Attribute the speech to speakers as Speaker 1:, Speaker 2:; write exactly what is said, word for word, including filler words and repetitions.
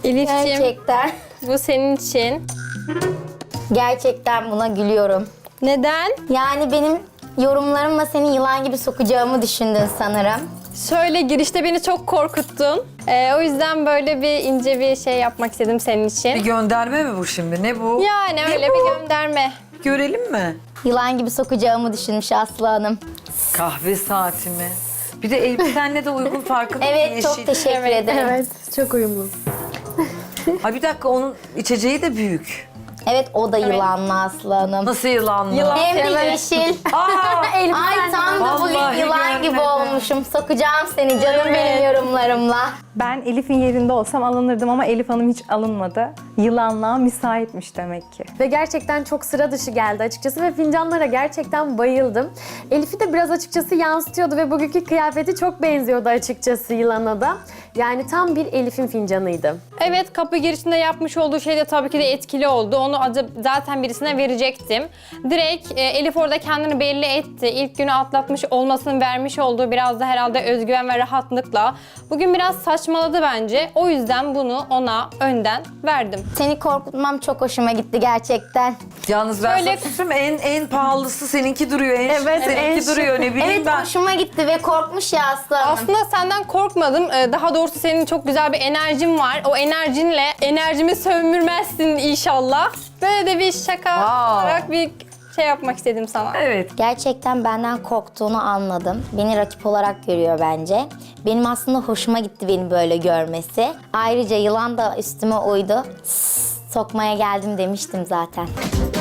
Speaker 1: Elif'ciğim
Speaker 2: Gerçekten.
Speaker 1: bu senin için.
Speaker 2: Gerçekten buna gülüyorum.
Speaker 1: Neden?
Speaker 2: Yani benim yorumlarımla seni yılan gibi sokacağımı düşündün sanırım.
Speaker 1: Şöyle girişte beni çok korkuttun. Ee, o yüzden böyle bir ince bir şey yapmak istedim senin
Speaker 3: Bir
Speaker 1: için.
Speaker 3: gönderme mi bu şimdi? Ne bu?
Speaker 1: Yani
Speaker 3: Ne
Speaker 1: öyle
Speaker 3: bu?
Speaker 1: bir gönderme.
Speaker 3: Görelim mi?
Speaker 2: Yılan gibi sokacağımı düşünmüş Aslı Hanım.
Speaker 3: Kahve saati mi? Bir de elbisenle de uygun farkında mısın?
Speaker 2: Evet, çok
Speaker 3: Yeşil.
Speaker 2: teşekkür ederim. Evet.
Speaker 4: Çok uyumlu.
Speaker 3: Ay bir dakika, onun içeceği de büyük.
Speaker 2: o da yılanlı Aslı Hanım.
Speaker 3: Nasıl yılanlı?
Speaker 1: Yılan.
Speaker 2: Hem de
Speaker 1: Evet.
Speaker 2: yeşil.
Speaker 3: Aa!
Speaker 2: Ay tam da bugün
Speaker 3: Vallahi
Speaker 2: yılan gibi
Speaker 3: görmedim.
Speaker 2: olmuşum. Sokacağım seni canım benim yorumlarımla.
Speaker 5: Ben Elif'in yerinde olsam alınırdım ama Elif Hanım hiç alınmadı. Yılanlığa müsaitmiş demek ki.
Speaker 4: Ve gerçekten çok sıra dışı geldi açıkçası ve fincanlara gerçekten bayıldım. Elif'i de biraz açıkçası yansıtıyordu ve bugünkü kıyafeti çok benziyordu açıkçası yılana da. Yani tam bir Elif'in fincanıydı.
Speaker 1: Evet, kapı girişinde yapmış olduğu şey de tabii ki de etkili oldu. Onu acı- zaten birisine verecektim. Direkt e, Elif orada kendini belli etti. İlk günü atlatmış olmasının vermiş olduğu biraz da herhalde özgüven ve rahatlıkla. Bugün biraz saçmaladı bence. O yüzden bunu ona önden verdim.
Speaker 2: Seni korkutmam çok hoşuma gitti gerçekten.
Speaker 3: Yalnız ben
Speaker 1: Şöyle-
Speaker 3: sana söyleyeyim, en en pahalısı seninki duruyor. En
Speaker 4: Evet,
Speaker 3: şık seninki
Speaker 4: en şık.
Speaker 3: duruyor. Ne bileyim
Speaker 2: Evet
Speaker 3: ben.
Speaker 2: hoşuma gitti ve korkmuş ya Aslı Hanım.
Speaker 1: Aslında senden korkmadım. Ee, Daha doğrusu senin çok güzel bir enerjin var. O enerjinle enerjimi sömürmezsin inşallah. Böyle de bir şaka
Speaker 3: Wow.
Speaker 1: olarak bir şey yapmak istedim sana.
Speaker 3: Evet.
Speaker 2: Gerçekten benden korktuğunu anladım. Beni rakip olarak görüyor bence. Benim aslında hoşuma gitti beni böyle görmesi. Ayrıca yılan da üstüme uydu. Sokmaya geldim demiştim zaten.